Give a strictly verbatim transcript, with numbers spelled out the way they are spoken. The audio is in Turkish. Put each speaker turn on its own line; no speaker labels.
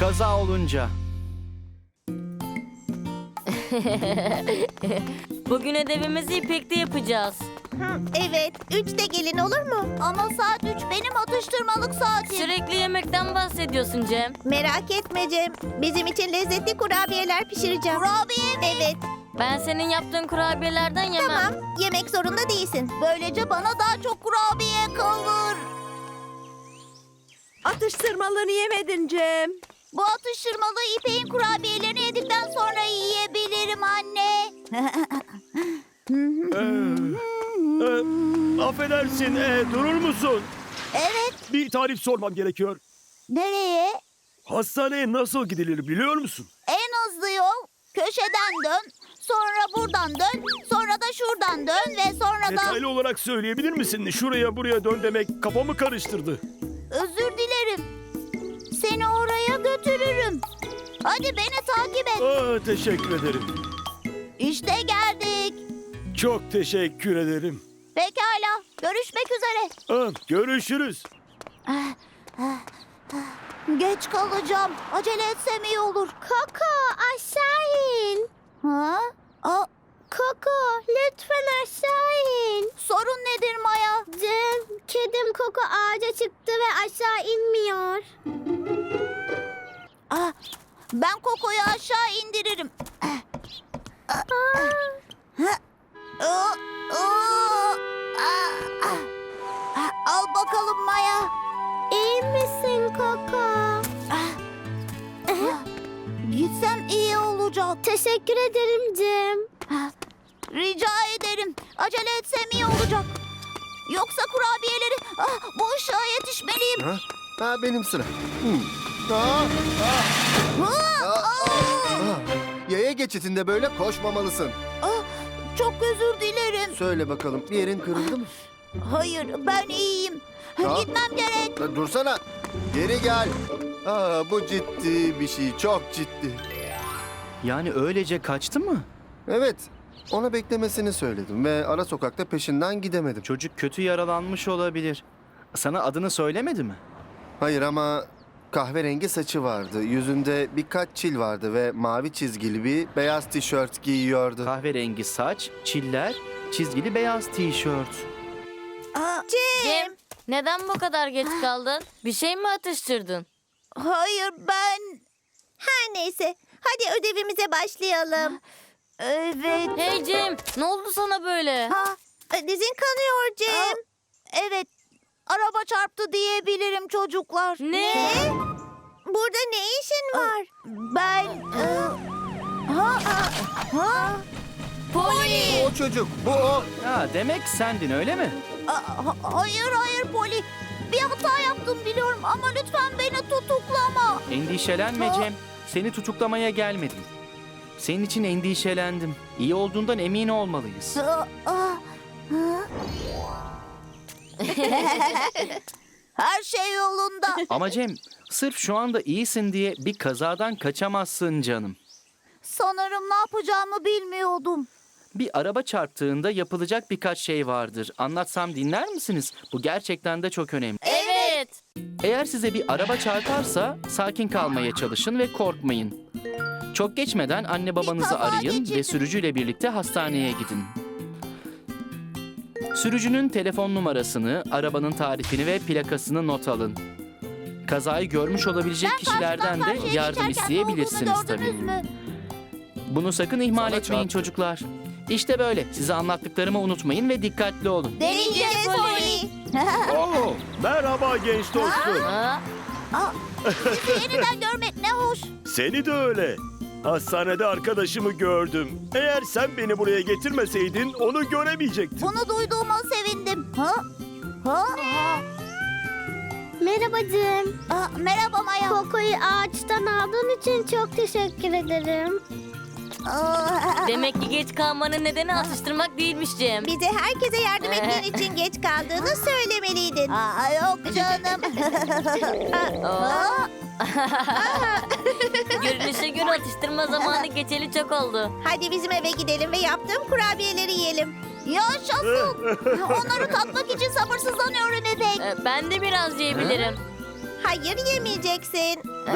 kaza olunca.
Bugün ödevimizi İpek'te yapacağız.
Evet, üçte gelin olur mu? Ama saat üç benim atıştırmalık saatim.
Sürekli yemekten bahsediyorsun Cem.
Merak etme Cem. Bizim için lezzetli kurabiyeler pişireceğim. Kurabiye mi? Evet.
Ben senin yaptığın kurabiyelerden yemem.
Tamam, yemek zorunda değilsin. Böylece bana daha çok kurabiye kalır.
Atıştırmalarını yemedin Cem.
Bu atıştırmalı İpek'in kurabiyelerini yedikten sonra yiyebilirim anne.
Ee, affedersin, ee, durur musun?
Evet,
Bir tarif sormam gerekiyor.
nereye?
Hastaneye nasıl gidilir biliyor musun?
En hızlı yol köşeden dön, sonra buradan dön, sonra da şuradan dön ve sonra da...
Detaylı olarak söyleyebilir misin? Şuraya buraya dön demek kafamı karıştırdı.
Özür dilerim. Seni oraya götürürüm. Hadi beni takip et.
Aa, teşekkür ederim.
İşte geldik.
Çok teşekkür ederim.
Pekala, görüşmek üzere.
Aa, görüşürüz.
Geç kalacağım. Acele etsem iyi olur. Koko, aşağı in. Ha? Aa, Koko, lütfen aşağı in. Sorun nedir Maya? Cem, kedim Koko ağaca çıktı ve aşağı inmiyor. Ah, ben Koko'yu aşağı indiririm. Aa, aa, aa. Al bakalım Maya. İyi misin Koko? Gitsem iyi olacak. Teşekkür ederim Cem. Rica ederim. Acele etsem iyi olacak. Yoksa kurabiyeleri ah, bu ışığa yetişmeliyim.
Ha? Ha, benim sıra. Hmm. Aa,
Ah, ah,
ah. Yaya geçitinde böyle koşmamalısın.
ah, çok özür dilerim.
Söyle bakalım, bir yerin kırıldı mı?
Hayır, ben iyiyim.
Ha?
Gitmem gerek.
Ha, dursana. Geri gel. Aa, bu ciddi bir şey, çok ciddi.
Yani öylece kaçtı mı?
Evet, ona beklemesini söyledim ve ara sokakta peşinden gidemedim.
Çocuk kötü yaralanmış olabilir. Sana adını söylemedi mi?
Hayır ama kahverengi saçı vardı, yüzünde birkaç çil vardı ve mavi çizgili bir beyaz tişört giyiyordu.
Kahverengi saç, çiller, çizgili beyaz tişört.
Aa, Cem.
Cem, neden bu kadar geç kaldın? Bir şey mi atıştırdın?
Hayır, ben... Her neyse. Hadi ödevimize başlayalım. Evet.
Hey Cem, ne oldu sana böyle?
Ha, dizin kanıyor Cem. Evet. Araba çarptı diyebilirim çocuklar.
Ne?
Burada ne işin var? Ben... e, Ha, ha, ha. Poli!
O çocuk, bu o.
Ha, demek sendin öyle mi?
Aa, ha- Hayır hayır Poli. Bir hata yaptım biliyorum ama lütfen beni tutuklama.
Endişelenme
Aa.
Cem. Seni tutuklamaya gelmedim. Senin için endişelendim. İyi olduğundan emin olmalıyız.
Aa, aa, ha. Her şey yolunda.
Ama Cem, sırf şu anda iyisin diye bir kazadan kaçamazsın canım.
Sanırım ne yapacağımı bilmiyordum.
Bir araba çarptığında yapılacak birkaç şey vardır. Anlatsam dinler misiniz? Bu gerçekten de çok önemli.
Evet.
Eğer size bir araba çarparsa sakin kalmaya çalışın ve korkmayın. Çok geçmeden anne babanızı
kaza
arayın
geçirdim.
ve sürücüyle birlikte hastaneye gidin. Sürücünün telefon numarasını, arabanın tarifini ve plakasını not alın. Kazayı görmüş olabilecek kişilerden de
Karşıya
yardım
geçerken
isteyebilirsiniz
ne olduğunu
tabii.
gördünüz mü?
Bunu sakın ihmal
Sana
etmeyin
çarptı.
çocuklar. İşte böyle. Size anlattıklarımı unutmayın ve dikkatli olun.
Deneyeceğiz Poli.
Oo, merhaba genç dostum.
Ha?
Sizi yeniden görmek ne hoş.
Seni de öyle. Hastanede arkadaşımı gördüm. Eğer sen beni buraya getirmeseydin onu göremeyecektim.
Bunu duyduğuma sevindim. Ha? Ha?
Merhaba Cem.
Aa, merhaba Maya.
Koko'yu ağaçtan aldığın için çok teşekkür ederim.
Aa,
Demek ki geç kalmanın nedeni atıştırmak değilmiş Cem.
bize herkese yardım ettiğin için geç kaldığını söylemeliydin. Aa, yok canım. Aa,
Görünüşe göre atıştırma zamanı geçeli çok oldu.
hadi bizim eve gidelim ve yaptığım kurabiyeleri yiyelim. Yaşasın. Onları tatmak için sabırsızlanıyorum İpek.
Ee, Ben de biraz yiyebilirim.
Hayır yemeyeceksin.